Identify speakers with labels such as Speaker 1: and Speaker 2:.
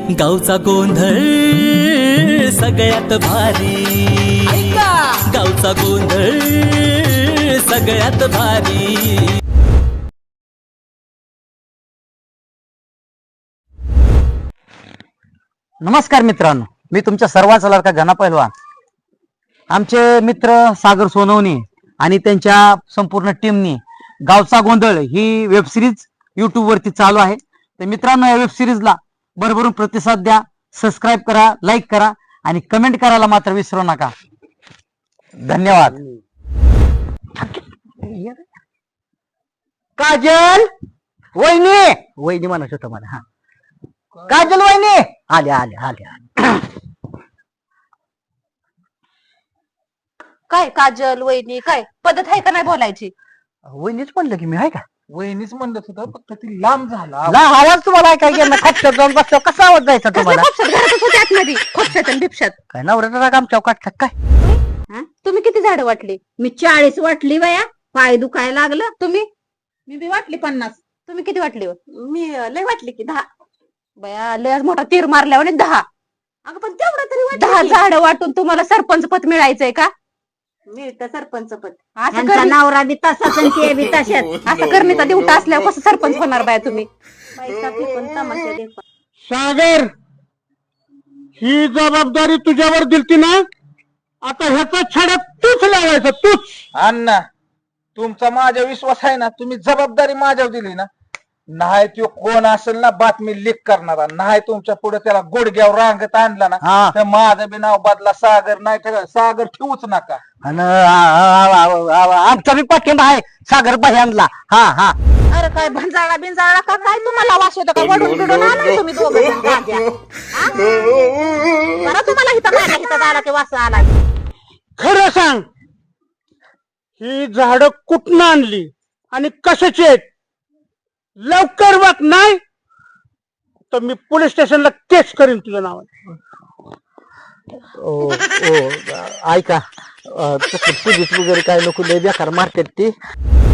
Speaker 1: गावचा गोंधळ सगळ्यात भारी, गावचा गोंधळ सगळ्यात भारी.
Speaker 2: नमस्कार मित्रांनो, मी तुमच्या सर्वांचा लाडका घना पहिलवान. आमचे मित्र सागर सोनवणे आणि त्यांच्या संपूर्ण टीमनी गावचा गोंधळ ही वेब सिरीज युट्यूब वरती चालू आहे. तर मित्रांनो, या वेब सिरीजला भरभरून प्रतिसाद द्या, सबस्क्राईब करा, लाईक करा आणि कमेंट करायला मात्र विसरू नका. धन्यवाद. काजल वहिनी, वहिनी म्हणत होतं मला. हा, काजल वहिनी आले आले आले आले.
Speaker 3: काय काजल वहिनी, काय पद्धत आहे का नाही बोलायची?
Speaker 2: वहिनीच म्हणलं की मी आहे का?
Speaker 4: वहिनीच म्हणत होतं, फक्त ती लांब झाला.
Speaker 2: ला आवाज तुम्हाला काय गेला? खपशात जाऊन बसलो, कसा आवाज जायचा तुम्हाला?
Speaker 3: घरातच होते आतमध्ये, खोपशात आणि बिपशात.
Speaker 2: काय नवऱ्याचा राग आमच्या काढतात काय?
Speaker 3: हा? तुम्ही किती झाडं वाटली?
Speaker 5: मी 40 वाटली बाया, पाय दुखायला लागलं.
Speaker 3: तुम्ही
Speaker 5: मी बी वाटली 50.
Speaker 3: तुम्ही किती वाटली हो?
Speaker 5: मी लय वाटली की 10.
Speaker 3: बया लय मोठा तीर मारल्यावर 10
Speaker 5: अगं पण तेवढं तरी
Speaker 3: 10
Speaker 5: वाटली.
Speaker 3: झाडं वाटून तुम्हाला सरपंच पद मिळायचंय का?
Speaker 5: मिळतं सरपंच पद.
Speaker 3: असं
Speaker 5: यांचा
Speaker 3: कर,
Speaker 5: नवरा बी तसाच आणि ते बी तशाच.
Speaker 3: असं करणीचा दिवटा असल्यावर कसं सरपंच होणार बाया तुम्ही?
Speaker 5: पैसा फेकून तमाशा देखून.
Speaker 4: सागर, ही जबाबदारी तुझ्यावर दिलती ना, आता ह्याचा छडा तूच लावायचा, तूच. अण्णा, तुमचा माझ्या विश्वास आहे ना, तुम्ही जबाबदारी माझ्यावर दिली ना. नाही तो कोण असेल ना बातमी लीक करणारा, नाही तुमच्या पुढे त्याला गुडघ्यावर रांगत आणला ना,
Speaker 2: हा.
Speaker 4: तर माझं बी नाव बदला सागर नाही ठेवा, सागर ठेवूच नका.
Speaker 2: आणि आमचा बी पाठिंबा आहे सागर आणला. हा हा.
Speaker 3: अरे काय भंजाळा बिंजाळा का काय तुम्हाला वास येतो का? वडून बिडून आलाय तुम्ही दोघं जण गांजा. हा? बरं तुम्हाला इथं माझ्या इथं आला की वास आलाय.
Speaker 4: खरं सांग, ही झाड कुठनं आणली आणि कशाची आहेत? लवकर बघ, नाही तर मी पोलीस स्टेशनला केस करीन तुझ्या नावाने.
Speaker 2: ओ ऐका, पोलीस वगैरे काय नको, लय बेकार मारतात ते.